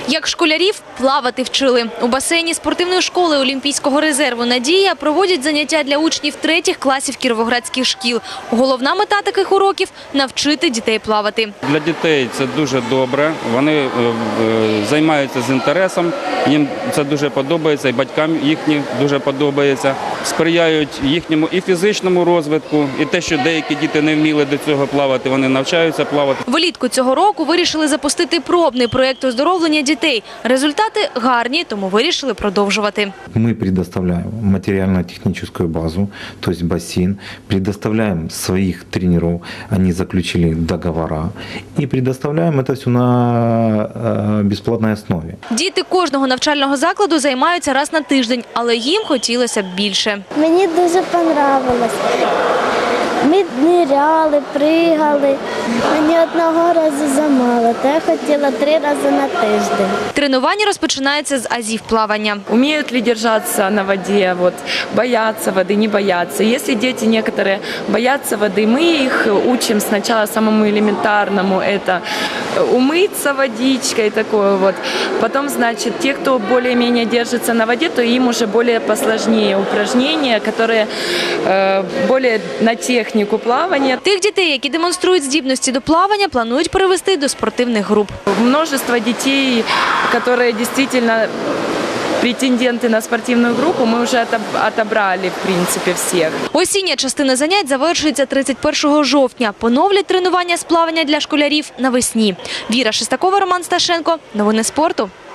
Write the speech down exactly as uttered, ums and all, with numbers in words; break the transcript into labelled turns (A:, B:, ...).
A: Як школярів плавати вчили. У басейні спортивної школи Олімпійського резерву «Надія» проводять заняття для учнів третіх класів кіровоградських шкіл. Головна мета таких уроків – навчити дітей плавати.
B: Для дітей це дуже добре, вони займаються з інтересом, їм це дуже подобається, і батькам їхнім дуже подобається. Сприяють їхньому і фізичному розвитку, і те, що деякі діти не вміли до цього плавати, вони навчаються плавати.
A: Влітку цього року вирішили запустити пробний проєкт оздоровлення дітей. Результати гарні, тому вирішили продовжувати.
C: Мы предоставляем материально-техническую базу, то есть бассейн, предоставляем своих тренеров, они заключили договора, и предоставляем это все на бесплатной основе.
A: Діти кожного навчального закладу займаються раз на тиждень, але їм хотілося б більше.
D: Мені дуже понравилось. Ми ниряли, пригали. Мені одного разу замало, то я хотіла три рази на тиждень.
A: Тренування розпочинається з азів плавання.
E: Умеют ли держаться на воде, вот, боятся воды, не боятся. Если дети некоторые боятся воды, мы их учим сначала самому элементарному, это умыться водичкой, такое вот. Потом, значит, те, кто более-менее держится на воде, то им уже более посложнее упражнения, которые э, более на технику плавания.
A: Тих дітей, які демонструють здібності до плавання, планують перевести до спортивних груп.
E: Множество детей, которые действительно претенденты на спортивную группу, мы уже отобрали, в принципе, всех.
A: Осіння частина занять завершується тридцять першого жовтня. Поновлять тренування з плавання для школярів навесні. Віра Шестакова, Роман Сташенко. Новини спорту.